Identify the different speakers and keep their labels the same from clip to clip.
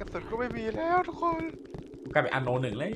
Speaker 1: ระสุนก็ไม่มีแล้วทุกคน
Speaker 2: กลายเป็นอันโนหนึ่งเลย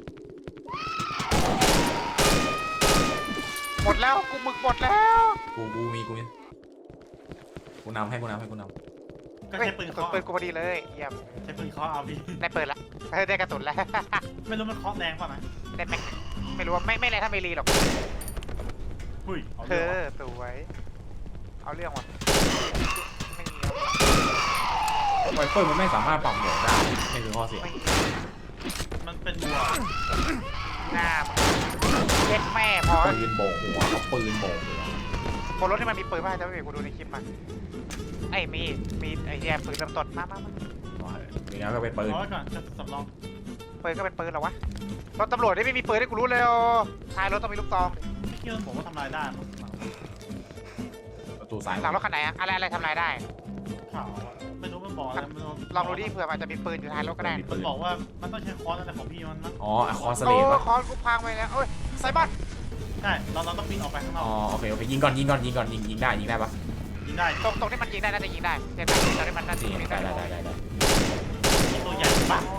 Speaker 1: หมดแล้วกูหมึกหมดแล้ว
Speaker 2: กูมีกูนำให้กูนำ
Speaker 3: ก็ใช้ปืน
Speaker 1: ก
Speaker 3: เคาะ
Speaker 1: ปืนกูพอดีเลยเยี่ยม
Speaker 3: ใช้ปืนเคาะเอาพี่
Speaker 1: ได้ปืนละได้กระสุนแล้ว
Speaker 3: ไม่รู้มันเคาะแรงป่ะนะ
Speaker 1: ได้แม็กไม่รู้ว่าไม่แรงถ้าไม่รีหรอก
Speaker 3: หุ้ยเอา
Speaker 1: เธ
Speaker 3: เรื่อง
Speaker 1: อสวยเอาเรื่องว่ะไม่มี
Speaker 2: ไวเฟิลมันไม่สามารถปรับโหมดได้นี่คือข้อเสีย
Speaker 1: ไม่มี
Speaker 3: มันเป็นวัว
Speaker 1: หน้าเย็ดแม่พอ
Speaker 2: ปืนโบกหัวเขาปืนโบกหัว
Speaker 1: บนรถที่มันมีปืนป่ะจะไม่มีกูดูในคลิปมาไอ้มีไอ้แย่ปืนเริ่มต้นมา
Speaker 2: มีแล้วก็เป็นปืน
Speaker 3: เอาไว้ก่อนจะสำรอง
Speaker 1: ปืนก็เป็นปืนเหรอวะรถตำรวจไม่มีปืนให้กูรู้เลยท้ายรถต้องมีลูกซอง
Speaker 3: ไม่คิดว่าผมว่าทำลายได้มั้ง
Speaker 2: ประตูซ้าย
Speaker 1: หลังรถคันไหนอะอะไรทำลายได้
Speaker 3: ข่าวอะไม่รู้มันบอกอะไรมัน
Speaker 1: ลองดูดิเผื่อมันจะมีปืนอยู่ท้ายรถก็ได้
Speaker 3: มันบอกว่ามันต้องใช้ค้อนอะไรของพี่มันมั้ง
Speaker 2: อ๋อคอนสเล
Speaker 1: โอ้
Speaker 2: ตปะ
Speaker 1: คอนกูพังไปแล้วโอ้ยไซบอน
Speaker 3: ใช่เราต้องปีนออกไปข้างนอ
Speaker 2: อ๋อก โอเคยิงก่อนยิงได้ปะ
Speaker 3: ยิงได้
Speaker 1: ตรงที่มันยิงได้น่าจะยิงได้เจ็บตรงที่มันน่าจะ
Speaker 2: นี่
Speaker 1: ยิง
Speaker 2: ได้
Speaker 1: ได้
Speaker 3: ยิงตัวใหญ่ปะ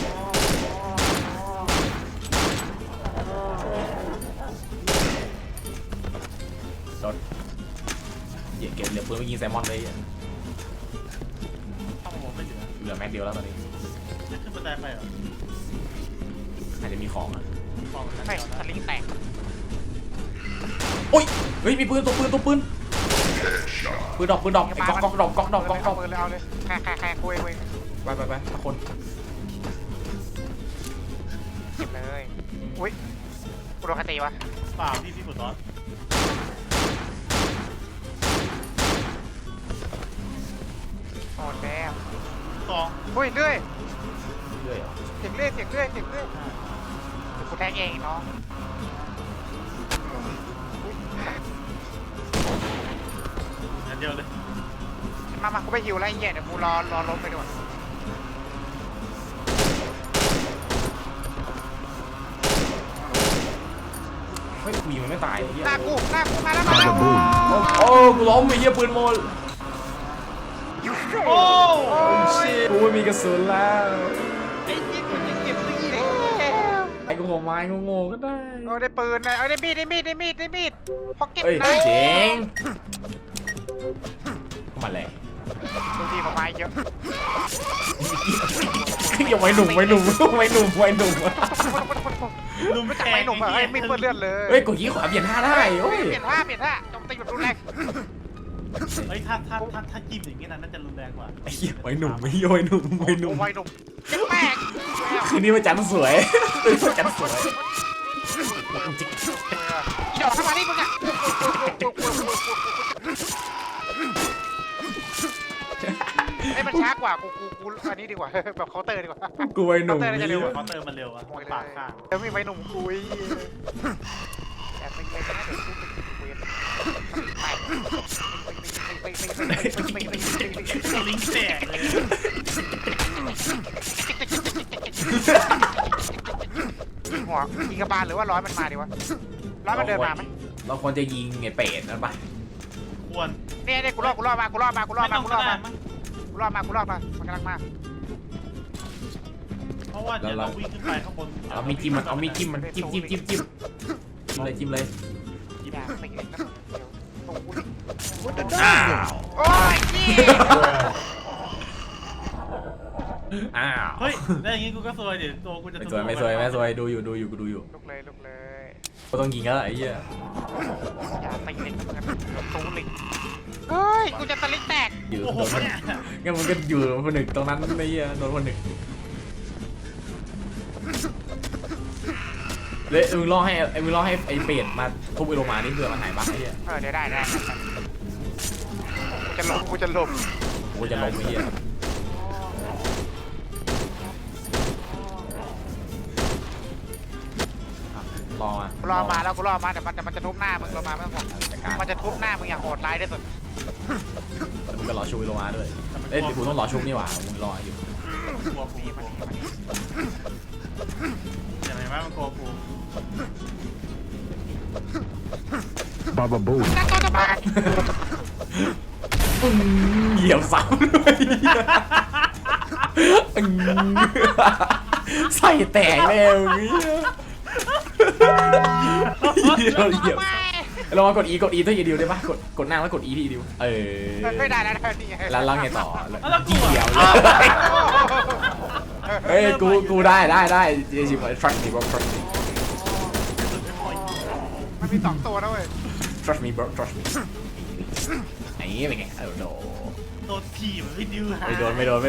Speaker 2: รถเก็บเหลือปืนไปยิงแซมมอนเลย
Speaker 3: เข้ามาไม่เหลือ
Speaker 2: เหลือแม็กเดียวแล้วตอนนี้
Speaker 3: จะขึ้นบันไดไปเหรอ
Speaker 2: อาจจะมีของอ่ะ
Speaker 3: บอกเลยนะ
Speaker 1: ไม่
Speaker 3: เดี๋ยว
Speaker 1: ส
Speaker 3: นะ
Speaker 1: ลิงแตก
Speaker 2: โอ้ยเฮ้ยมีปืนตัวปืนดอกไอ้ก๊อกดอก
Speaker 1: ปืนเลยเอาเลยแค่คุย
Speaker 2: ไปคน
Speaker 1: เก็บเลยอุ้ยกูโดนคตีวะ
Speaker 3: เปล่าพี่ปวดร้อน
Speaker 1: โอ้แดม
Speaker 3: สอง
Speaker 1: อุ้ยเรื่อย
Speaker 2: เรื่อย
Speaker 1: เสียงเรื่อยกูแทงเองน้อง
Speaker 3: งั้นเดียวเลย
Speaker 1: มากูไปหิวอะไรเงี้ยเดี๋ยวกูรอล้มไปดีกว่า
Speaker 2: เฮ้ยมีมันไม่ตาย
Speaker 1: หน้ากูมาแล้ว
Speaker 2: โอ้กูล้มไอ้เหี้ยปืนหมด
Speaker 3: โอ้
Speaker 2: กูไม่มีกระสุนแล้ว
Speaker 1: ไอ้ยิงกูยิงเก็บตีแล้ว
Speaker 2: ไอ้กูขอไม้งงก็ได้
Speaker 1: ได้ปืนนะได้มีดพอเก็บ
Speaker 2: เอ้ย
Speaker 1: นะ
Speaker 2: เจ๋งมาเลย
Speaker 1: ดูดีกว่าไม้เยอะ
Speaker 2: อย่าไว้หนุ่ม
Speaker 3: ลุม
Speaker 1: ไม่จับไม้หนุ่มอะไม่เปื้อนเลือดเลย
Speaker 2: เฮ้ยกดยี่ขวาเปลี่ยนท่าได้โอ้ย
Speaker 1: เปลี่ยนท่าจงตีแบบรุนแรง
Speaker 3: เฮ้ยถ้าจิ้มอย่างงี้น่าจะรุนแรงกว่า
Speaker 2: ไอ้เหี้ยไว้หนุ่มไม่ไว้หนุ่ม
Speaker 1: ไว้หนุ่มเจ็บแม่ง
Speaker 2: คืนนี้มาจันสวยมาจันสวย
Speaker 1: อีดอกทำไมนี่มึงอะไอ้มันช้ากว่ากูอันนี้ดีกว่าแบบเคาน์เตอร์ดีกว่า
Speaker 2: กูไว้หนุ่ม
Speaker 3: เขาเติมมันเร็วอะปากข้าง
Speaker 1: แล้วมีไม้หนุ่มคุยแอบไปเลยนะเดี๋ยวกูไป
Speaker 3: ลิงแตกเลย
Speaker 1: หัวยิงกระบาลหรือว่าร้อยมันมาดีวะร้อยมันเดินมาไหม
Speaker 2: เราควรจะยิงไอ้เป็ดนั่นปะ
Speaker 3: ควร
Speaker 1: เนี่ยกูรอดมามันกำลังมา
Speaker 3: เพราะว่าเดี๋ยวเราวิ่งขึ้นไปข้างบน
Speaker 2: เอามีจิ้มมันจิ้มเลย
Speaker 1: อย่าไปเลยนะตูน
Speaker 2: อ้าว
Speaker 1: โอ้ยนี่
Speaker 2: อ้าว
Speaker 3: เฮ้ยได้อย่างงี้กูก็ซวยเดี๋ยวตัวกูจะ
Speaker 2: ไม่สวยดูอยู่กูดูอยู่
Speaker 1: ลุกเลย
Speaker 2: ก็ต้องยิงแล้วไอ้เหี้ย
Speaker 1: อย่าตีเล็กนะตูนลิงเฮ้ยกูจะตะลิกแตก
Speaker 2: อยู่
Speaker 3: โอ้โห
Speaker 2: โดน
Speaker 3: เนี่ย
Speaker 2: งั้นมันก็อยู่คนหนึ่งตรงนั้นไอ้เหี้ยโดนคนหนึ่งเลยมึงรอให้ไอ้เป็ดมาทุบไอ้โลมานี่เผื่อมันหายบ้าไอ้เหี้ย
Speaker 1: เดี๋ยวได้กูจะหลบ
Speaker 2: กูจะลงไอ้เหี้ยรอมา
Speaker 1: กูรอมาแต่มันจะทุบหน้ามึงรอมาไม่ต้องห่วงมันจะทุบหน้ามึงอย่างโหดร้ายที่สุด
Speaker 2: แล้วมึงก็รอชูไอ้โลมาด้วยเอ้ยกูต้องรอชุบนี่หว่ามึงรออยู่
Speaker 3: กลัวกูอย่างไรวะมันกลัวกู
Speaker 4: Baba Boo.
Speaker 1: นั่นก็จะมา
Speaker 2: เหยียบเสาด้วยใส่แตกแล้วเนี่ยเราเหยียบเรามากด E กด E ตัวอีดิวได้ปะกดหน้าแล้วกด E ที่อีดิว
Speaker 1: ไม่ได้แล้วนี่ไง
Speaker 2: แล้วไงต่อ
Speaker 3: แล้วกู
Speaker 2: เกี่ยวเลยเฮ้ยกูได้เจชิบ trust me bro trust me
Speaker 1: มันมี2ตัวนะเว้ย
Speaker 2: trust me bro trust me ไอ้เป็นไงโด
Speaker 3: โดนทีมพี่ดิวหา
Speaker 2: ไม่โดน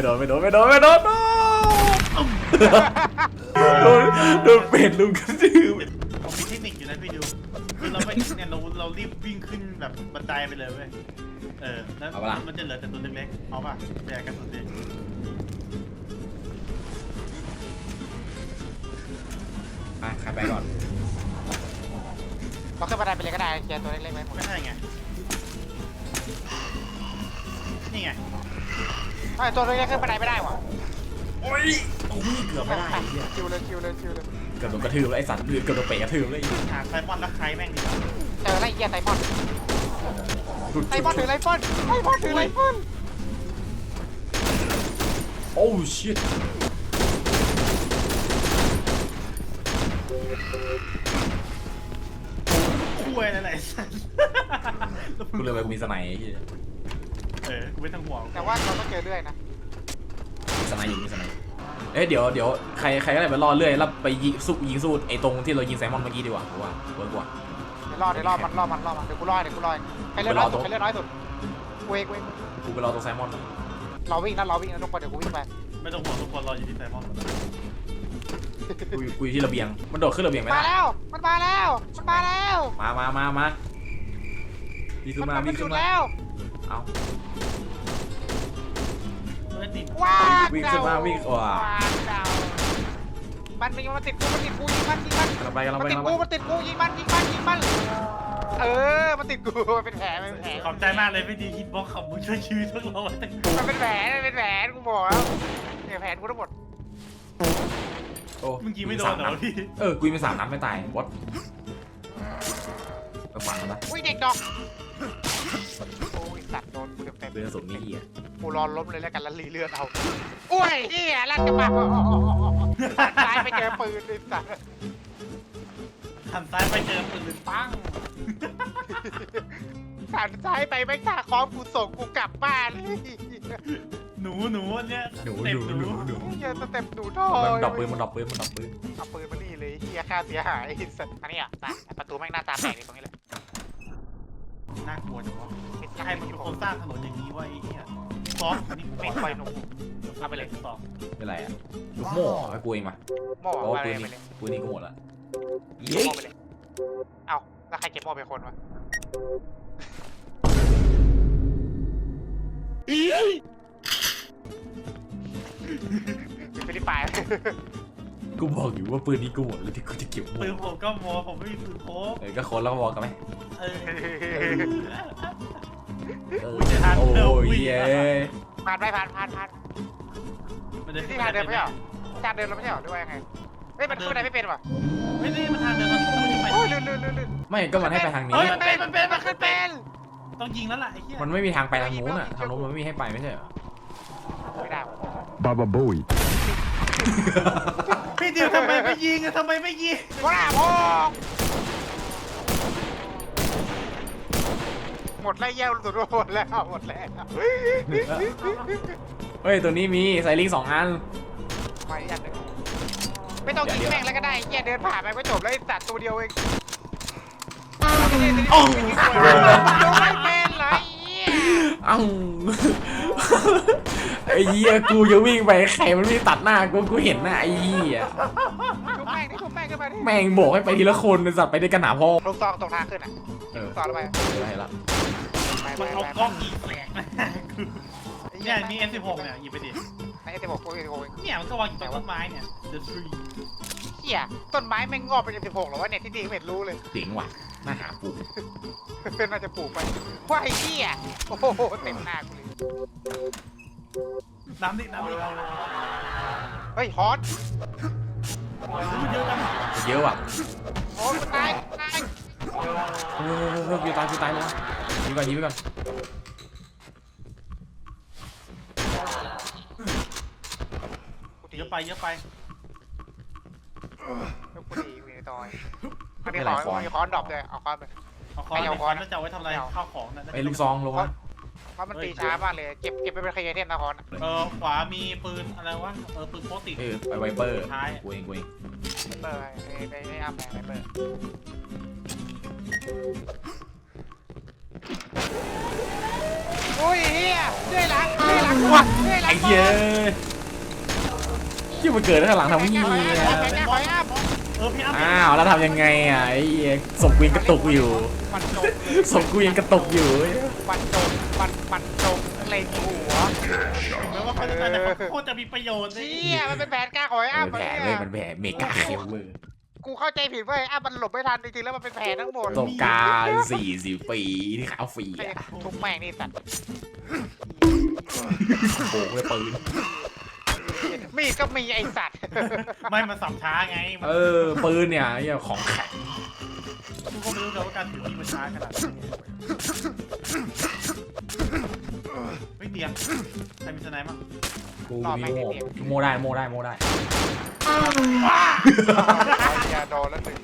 Speaker 2: เป็ดลุงกระดืบ
Speaker 3: ผมมีเทคนิคอยู่นะพี่ดิวคือเราไม่เนี่ยเรารีบวิ่งขึ้นแบบบันไดไปเลยเว้ยแล้วมันจะเหลือแต่ตัวเล็กๆเอาป่ะแจกกันตัวเล็ก
Speaker 2: ใครไปก่อน
Speaker 1: เราขึ้นบันไดไปเลยก็ได้เคลียร์ตัวเล็กๆไว้หมด
Speaker 3: ไม่ใช่ไงนี่ไง
Speaker 1: ตัวเล็กๆขึ้นบันไดไม่ได้ว่ะ
Speaker 2: โอ้ยเกือบไม่ได้
Speaker 1: คิวเลย
Speaker 2: เกือบโดนกระทืบแล้วไอ้สัตว์เกือบโดนเป๋กระทืบเลย
Speaker 3: หาไซมอนแล้วใครแม่งดีกว่า
Speaker 1: เจอไรเหี้ยไซมอนถือไรฟอนถือไรฟอน
Speaker 2: โอ้ชิต
Speaker 3: คุยอะไรสัส
Speaker 2: กูเลยไปมีสไนไอ้ที่
Speaker 3: กูไม่ต้องห่วง
Speaker 1: แต่ว่าเราต้องเจอเรื่อยนะ
Speaker 2: มีสไนอยู่มีสไนเดี๋ยวใครก็ได้ไปรอเรื่อยแล้วไปยิงสู้ไอ้ตรงที่เรายิงไซมอนเมื่อกี้ดีกว่ากูว่าเวิร์กกว่า
Speaker 1: เดี๋ยวรอมันเดี๋ยวกูรอใครเลือดน้อยสุดเวก
Speaker 2: กูไปรอตรงไซมอน
Speaker 1: เราวิ่งนะทุกคนเดี๋ยวกูวิ่งไป
Speaker 3: ไม่ต้องห่วงทุกคนรออยู่ที่ไซมอน
Speaker 2: กูอยู่ที่ระเบียงมันโดดขึ้นระเบียงไหม
Speaker 1: มาแล้วมันมาแล้ว
Speaker 2: มาวิ่งขึ้นมา
Speaker 1: แล้ว
Speaker 2: เอา
Speaker 3: ไม่ติด
Speaker 1: ว้า
Speaker 2: วิ่งขึ้นมาวิ่งว้า
Speaker 1: มันติดกูยิงมัน
Speaker 2: กำลังไป
Speaker 1: มันติดกูยิงมันมันติดกูเป็นแผล
Speaker 3: ขอบใจมากเลยพี่ดีฮิตบ็อกขับมึงช่วยชีวิตพวกเราไว้ตั้ง
Speaker 1: มันเป็นแผลกูบอกแล้วเนี่ยแผลกูทั้งหมด
Speaker 2: โอ้
Speaker 3: เมื่อกี้ไม่โดนเหรอพี่
Speaker 2: กูยิงไป3 นัดไม่ตายวัดไปฝังมันปะ
Speaker 1: อุ้ยเด็กดอกโอ้ยสัตว์โดนกูเต็ม
Speaker 2: เรื่องสุดนี่เหี้ย
Speaker 1: กูรอล้มเลยแล้วกันแล้วรีเลือดเอาอุ้ยเฮียลั่นกระบะซ้ายไปเจอปืนเลยสัตว์
Speaker 3: หันซ้ายไปเจอปืนปัง
Speaker 1: หันซ้ายไปไม่กล้าคล้องกูส่งกูกลับบ้านเลย
Speaker 3: หนูเนี่ย
Speaker 2: หนู
Speaker 1: เฮียสเต็ปหนูทอ
Speaker 2: มันดับปืน
Speaker 1: เอาปืนมานี่เลยเฮียค่าเสียหายสัตว์อันนี้อ่ะประตูแม่งหน้าตาแปลกเลยตรงนี้เลย
Speaker 3: น่ากลัวจังวะใครมันเป็นคนสร้างถนนอย่างนี้วะไอ้เนี่ยซอฟนี่
Speaker 1: ไม่ค่อยหนุ่มเอาไปเลย
Speaker 3: ต่อ
Speaker 2: เป็นไรอ่ะลูกโม่ให้กูเองมา
Speaker 1: หม้อ
Speaker 2: เพราะว่า
Speaker 1: ไป
Speaker 2: ปืน
Speaker 1: เลย
Speaker 2: นี้กูหมดละ
Speaker 1: หม้อไปเลยเอาแล้วใครเก็บหม้อเป็นคนวะฟิลิปปินส์
Speaker 2: กูบอกอยู่ว่าปืนนี้กูหมดแล้วที่กูจะเก็บหมด
Speaker 3: ปืนผมก็โมผมไม่มีปืนโค้ก
Speaker 2: ก็คนแล้วก็บอกกันไหม โอ้ยเย้
Speaker 1: ผ่านที่ทางเดินไม่ใช่หรอทางเดินเราไม่ใช่หรอด้วยยังไงเฮ้ยมันขึ้นไปไม่เป็นว่ะ
Speaker 3: ไม่ได้มันทางเดินมันต้องยิงไป
Speaker 1: โอ้ยลื่น
Speaker 2: ไม่ก็มันให้ไปทางนี้
Speaker 1: มันขึ้นเป็น
Speaker 3: ต้องยิงแล้วล่ะไอ้เหี้ย
Speaker 2: มันไม่มีทางไปทางนู้นอ่ะทางนู้นมันไม่มีให้ไปไม่ใช่เหรอ
Speaker 1: ไม่ได้
Speaker 4: Baba Booey.
Speaker 3: พี่ดิวทำไมไม่ยิง
Speaker 1: ว้าพ่อหมดแล้วแย่สุดหมดแล้ว
Speaker 2: เฮ้ยตัวนี้มีไซลิง2 อัน
Speaker 1: ไม่ยันเลยไม่ต้องยิงแม่งแล้วก็ได้แย่เดินผ่านไปก็จบแล้วไอ้สัตว์ตัวเดียวเองโอ้ไม่เป็นไร
Speaker 2: เอ้าไอ้เหี้ยกูจะวิ่งไปใครมันวิ่งตัดหน้ากูเห็นหน้าไอ้เหี้ย
Speaker 1: ทุบแม่งขึ้นมาดิ
Speaker 2: แม่งบอกให้ไปทีละคนสัตว์ไปด้วยกันหนาพ่อ
Speaker 1: ลูกซองตรงทางขึ้นอ่ะลูกซองแล้วไป
Speaker 2: อะไรละ
Speaker 3: มันเอากล้องยิงแหลกนะเนี่ยมี M16 เนี่ยหยิบไปดิ
Speaker 1: ไอ้ที่บอกกู
Speaker 3: เนี่ยมันก็วางอยู่ตรงต้นไม้เนี่ย The Tree
Speaker 1: เหี้ยต้นไม้แม่งงอกเป็น16หรอวะเนี่ยที่ดีไม่รู้เลย
Speaker 2: เจ๋งว่ะน่าหาปลูก
Speaker 1: เป็นน่าจะปลูกไปว่าไอ้เหี้ยโอ้โหเต็มหน้ากูเลย
Speaker 3: น้ำดิ
Speaker 1: เฮ้ยฮอต
Speaker 3: มันเยอะจัง
Speaker 2: เยอะว่ะ
Speaker 1: โอ้ยตาย
Speaker 2: กูตายแล้วยิงไปก่อน
Speaker 3: เยอะไปเยอะไป
Speaker 1: ลูกกูดีกูในตอยมันมีค้อนดรอปเลยเอาค้อนไป
Speaker 3: เอาคอน
Speaker 1: เอา
Speaker 3: เอา
Speaker 1: ค้
Speaker 3: ค
Speaker 1: อ
Speaker 3: อน นแล้วจะเอาไว้ทำอะไรข้าวของนั่น
Speaker 2: ไอ้ลูกซองลงมา
Speaker 1: เพราะมันตีช้ามากเลยเก็บไปเป็นขยะเทมนะค้อน
Speaker 3: ขวามีปืนอะไรวะปืนโพติ
Speaker 2: ไปไวเปอร์
Speaker 3: ท้าย
Speaker 2: กูเอง
Speaker 1: เปิดไปอัพแมนไปเปิดอุ้ยเฮียด้วยหลังว่ะด้วยหลัง
Speaker 2: ไอ้เหี้ยที่มันเกิดข้างหลังทำนี่
Speaker 1: ไปอัพ
Speaker 3: พี่อ้ำ
Speaker 2: อ้าวแล้วทำยังไงอ่ะไอ้เหี้ยศพกูยังกระตุกอยู่
Speaker 1: มันจม
Speaker 2: ศพกูยังกระตุกอยู่
Speaker 1: มันจมเล็งหัว
Speaker 3: แม้ว่าเขาจะตายแต่เขาโคตรจะมีประโยชน์เลย
Speaker 1: เชี่ยมันเป็นแผนการของไอ้อัพ
Speaker 2: แผลเว้ยมันแผลเมกาเคเวอร์
Speaker 1: กูเข้าใจผิดเว้ยอัพมันหลบไม่ทันจริงๆแล้วมันเป็นแผนทั้งหมด
Speaker 2: ประสบการณ์40 ปีที่ขาวฟรีอ่ะ
Speaker 1: ทุกแม่งนี่สัตว์
Speaker 2: โบกเลยปืน
Speaker 1: มีดก็มีไอสัตว์
Speaker 3: ไม่มาสับช้าไง
Speaker 2: ปืนเนี่ยไอ้เหี้ยของแข็ง
Speaker 3: ทุกคนไม่รู้เลยว่าการถือมีดมันช้าขนาดนี้ไม่เดียงใครมีสไนป์มั้ง
Speaker 2: กูมีโมได้
Speaker 1: อย่าโดนแล้วหนึ่ง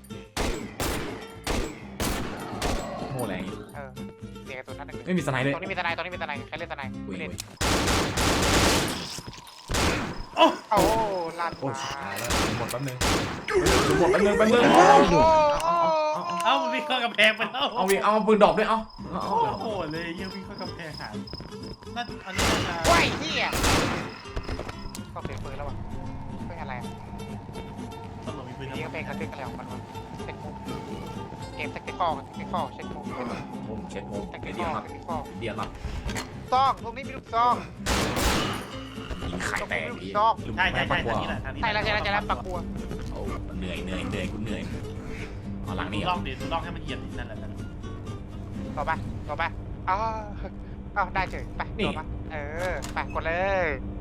Speaker 2: โมแรง
Speaker 1: เสียตัวนั้นหนึ่ง
Speaker 2: ไม่มีสไนเลย
Speaker 1: ตรงนี้มีทนายใครเล่นทนาย
Speaker 2: กู
Speaker 1: ไม่
Speaker 2: เอ
Speaker 1: เล่
Speaker 2: ง
Speaker 1: นโอ้ลั่น
Speaker 2: โอ้
Speaker 1: มา
Speaker 2: ตายแล้วหมดแป๊บนึงแป๊บนึง
Speaker 3: เอ้ามันวิ่งเข้ากำแพงไปแล้ว
Speaker 2: เอาปืนดอกด้วยเอา
Speaker 3: โอ้โหเลยยังวิ่งเข้ากำแพงหานั่นอันนี้น่าจะ
Speaker 1: ว้ายเฮียก็เสียปืนแล้ววะเป็นอะไร
Speaker 3: ตำรวจมีปืน
Speaker 1: นี่ก็เป็นกระตึกอะไรของมันวะเป็นมุมเกมแท็กติคอลเช็คมุม
Speaker 2: ผมเช็ดโม
Speaker 1: แท็กติ
Speaker 2: เดี
Speaker 1: ค
Speaker 2: ย
Speaker 1: อ
Speaker 2: ว
Speaker 1: ล
Speaker 2: ครับเดียวครับ
Speaker 1: ซองตรงนี้มีลูกซอง
Speaker 2: ยิงไข่แตกดี
Speaker 3: ใช่ทางนี้แหละทางนี้
Speaker 1: ใช่แล้วปักบัว
Speaker 2: โอ้เหนื่อยกูเหนื่อยเอาหลังนี่
Speaker 3: ลองดิลองให้มันเหยียบนั่นแหละ
Speaker 1: ต่อไปอ้าวได้เฉยไปต่อไปไปกดเลย